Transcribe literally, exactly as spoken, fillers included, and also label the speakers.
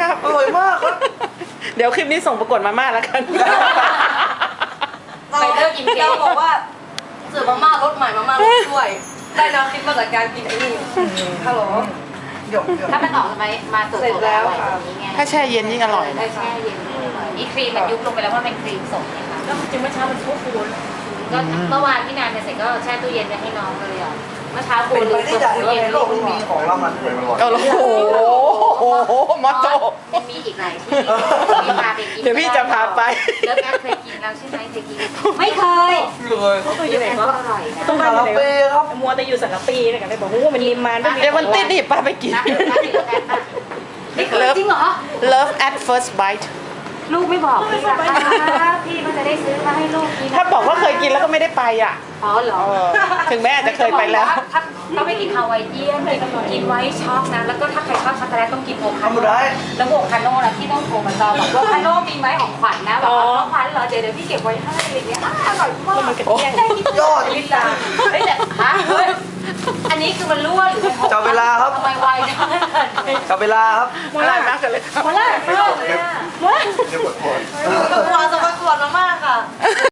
Speaker 1: ครับ
Speaker 2: อร่อยมากครับ
Speaker 1: เดี๋ยวคลิปนี้ส่งประกวดมาม่าแล้วกัน
Speaker 3: ไปเลิกกินเจเราบอกว่าเสิร์ฟมาม่ารสใหม่มาม่ารสด้วยได้แนวคิดมาจากการกินไอ้นี่ฮัลโหล
Speaker 2: หยกหยก
Speaker 4: ถ้ามันออกมามาสด
Speaker 3: เสร็จแล้วค่ะ
Speaker 4: อย่างนี้ไง
Speaker 1: ถ้าแช่เย็นยิ่งอร่อย
Speaker 4: ได้แช่เย็นนี่ครีมมันยุบลงไปแล้วว่าเป็นครีมสดนะคะก็จริงเมื่อเช้ามันฟูฟูก็เมื่อวานพี่นานเสร็จก็แช่ตู้เย็นให้น้องเลยอ่ะเมื่อเช้าปู
Speaker 2: เป็น
Speaker 4: ลื
Speaker 2: ไป
Speaker 4: ม
Speaker 2: ได้
Speaker 4: เปิด
Speaker 2: ใจ
Speaker 4: ตู้
Speaker 2: ว่า
Speaker 4: เย็น
Speaker 2: ในโลกนี้มีของเรามันด้วย
Speaker 1: โอ้โหมอโต
Speaker 4: มันมีอีกหลายที่มีพาไปกิน
Speaker 1: เดี๋ยวพี่จะพาไป
Speaker 4: เลิฟแอดเคยกินแล้วใช่ไหมเคยกินไม่เคย
Speaker 2: เลยครับ
Speaker 4: ตู้เย็นก็อร่อยนะ
Speaker 2: ต้องคาราเฟ่ครับ
Speaker 5: มัวแต่อยู่สังกะปีเนี่ยกันเลยบอกว่ามันนิมมานไม่มี
Speaker 1: เดี๋ยววันติดนี่ป้าไปกิน
Speaker 4: นะนะเลิฟแอดป่ะไม่เคยจริงเหรอ
Speaker 1: Love at first bite
Speaker 4: ลูกไม่บอกพี่ล่ะพี่ก็จะได้ซื้อมาให้ลูกกิน
Speaker 1: ถ้าบอกว่าเคยกินแล้วก็ไม่ได้ไปอ่ะ
Speaker 4: อ๋อเหรอ
Speaker 1: เออถึงแม้อาจจะเคยไปแล้ว
Speaker 4: ถ้าต้องไปกินฮาวายเอียนกินไว้ช็อกนะ แล้วก็ถ้าใครชอบช็อกโกแลตต้องกินโอคาโน่แล้วโอคาโน่นะพี่ต้องโทรมาจองบอกว่าโอคาโน่มีไหมของขวัญนะบอกว่าของขวัญเหรอเดี๋ยวเดี๋ยวพี่เก็บไว้ให้อะไรเงี้ยอร่อยมาก
Speaker 5: มันกระเทียม
Speaker 2: ยอด
Speaker 4: ลิตาเฮ้ยแต่ฮะเฮ้ยอันนี้คือมันรั่วหรือมันหก
Speaker 2: จับเวลาครับ
Speaker 4: ทำไมไวจัง
Speaker 2: จับเวลาครับ
Speaker 1: อร่อยมากเลยครับ
Speaker 4: มาล่าไม่ออกเลยอะ
Speaker 2: เดี๋ยวกดโทษ
Speaker 3: ประกวดจะประกวดมาม่าค่ะ